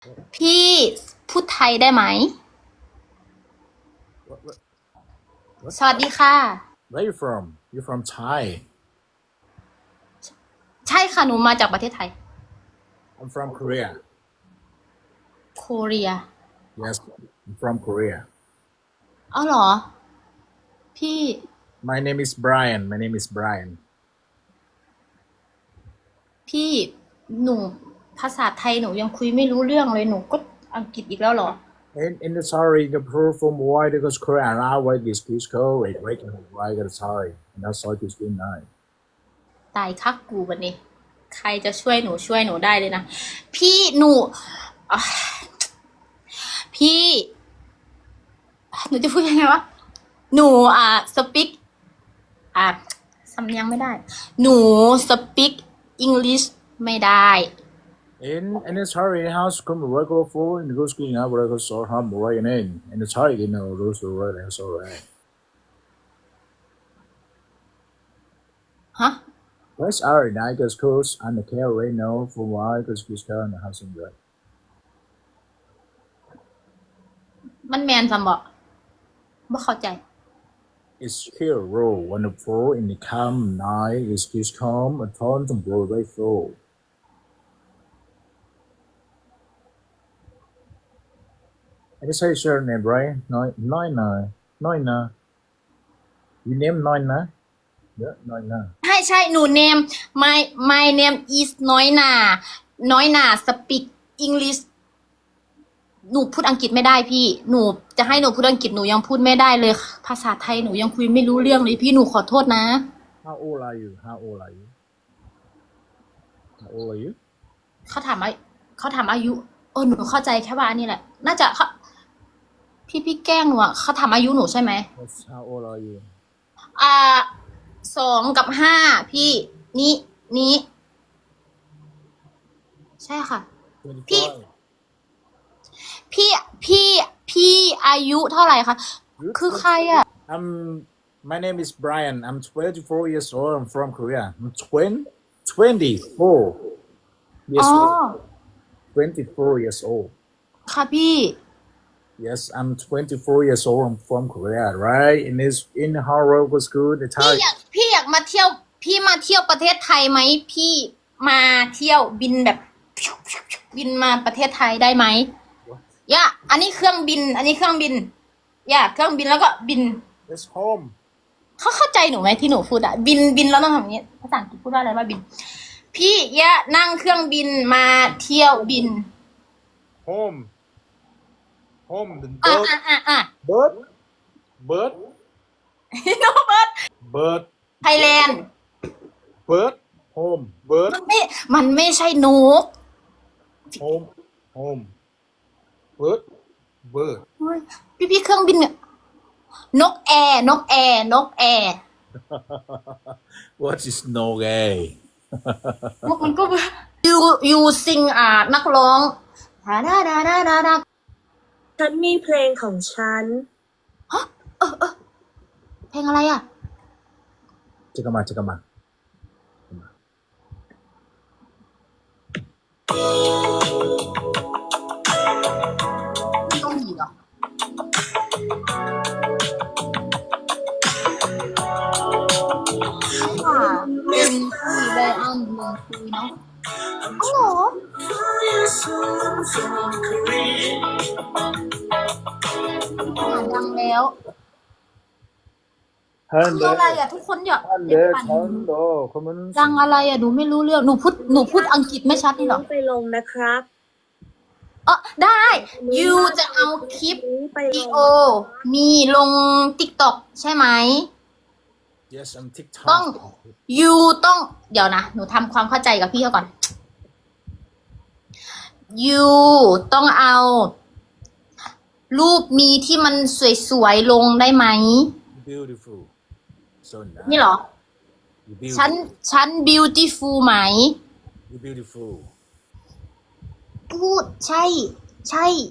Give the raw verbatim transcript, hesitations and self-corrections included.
พี่พูดไทยได้ไหม What, what, what? สวัสดีค่ะ Where you from? You from Thai? ใช่ค่ะหนูมาจากประเทศไทย I'm from Korea. โคเรีย Yes, I'm from Korea. อ้าวเหรอ พี่ My name is Brian. My name is Brian. พี่หนูภาษาไทยหนูยังคุยไม่รู้เรื่องเลยหนูก็อังกฤษอีกแล้วเหรอ And in the sorry, the proof from why because Korea and I wait this kiss code, wait, wait, why got sorry. And that's all just been nine. ตายคักกูวันนี้ ใครจะช่วยหนูช่วยหนูได้เลยนะ พี่หนูอ่ะพี่ หนูจะพูดยังไงวะ หนูอ่ะสปิกอ่ะสำเนียงไม่ได้ หนูสปิกอังกฤษไม่ได้ In in the sorry house come regular for and go screen out where I go so hum right in. And the sorry you know those are right that's all right. ฮะ Where's our night goes course and the care right now for why because kiss code and the house in right. มันแมนสำบอกบ่เข้าใจ It's here roll when the four in the come night is kiss come and turn to blow right through. I just say your name, right? Nine, nine, nine, nine, nine. You name nine, nine? Yeah, nine, nine. ใช่ใช่หนูเนม my my name is น้อยนาน้อยนา speak English หนูพูดอังกฤษไม่ได้พี่ หนูจะให้หนูพูดอังกฤษหนูยังพูดไม่ได้เลย ภาษาไทยหนูยังคุยไม่รู้เรื่องเลยพี่หนูขอโทษนะ How old are you? How old are you? How old are you? เขาถามอาเขาถามอายุเออหนูเข้าใจแค่ว่าอันนี้แหละ น่าจะเขาพี่พี่แกล้งหนูอ่ะเขาถามอายุหนูใช่ไหม Yes, how old are you? อ่าสองกับห้าพี่นี้นี้ใช่ค่ะ พี่ twenty-five. พี่พี่พี่อายุเท่าไหร่คะ คือใครอ่ะ I'm. My name is Brian. I'm twenty-four years old. I'm from Korea. I'm twenty, twenty-four อ๋ years อ old. twenty-four years old. ค่ะพี่ Yes, I'm twenty-four years old. I'm from Korea, right? In this in Harvard was good. The พี่ Thai. อยากพี่อยากมาเที่ยว พี่มาเที่ยวประเทศไทยไหมพี่มาเที่ยวบินแบบ บินมาประเทศไทยได้ไหมย่าอันนี้เครื่องบิน อันนี้เครื่องบินย่าเครื่องบินแล้วก็บิน It's home. เขาเข้าใจหนูไหมที่หนูพูดอะบินบินแล้วต้องทำอย่างนี้ภาษาอังกฤษพูดว่าอะไรว่าบิน พี่ย่านั่งเครื่องบินมาเที่ยวบิน Home. Home. The อ่ะ bird. อ่ะอ่ะอ่ะ Bird. Bird. โนเบิร์ด Bird. ไทยแลนด์ Bird. Home. Bird. มันไม่มันไม่ใช่นก Home. Home. Bird. Bird. พี่พี่เครื่องบินเนี่ยนกแอร์นกแอร์นกแอร์ What is no gay? นกมันก็ยูยูซิงอ่านักร้องดาดาดาดาดาดาฉันมีเพลงของฉันฮะเออเออเพลงอะไรอ่ะ 잠깐만, 잠깐만. เกาหลีเหรอค่ะเป็นที่ไดอันเมืองคุยเนาะอ๋อเหรออ่าดังแล้วคืออะไรอ่ะทุกคนอยากเป็น 한대 ปั่น 천도 그러면 ดังอะไรอ่ะหนูไม่รู้เรื่องหนูพูดหนูพูดอังกฤษไม่ชัดนี่หรอไปลงนะครับเออได้ยูจะเอาคลิปไปวิลดีงโอ มีลง TikTok ใช่ไหม Yes, I'm TikTok. ต้องยูต้องเดี๋ยวนะ หนูทำความเข้าใจกับพี่เขาก่อนยูต้องเอา รูปมีที่มันสวยๆลงได้ไหม Beautiful. So nice. นี่เหรอ You beautiful. ฉันฉัน beautiful ไหม You beautiful. พูดใช่ ใช่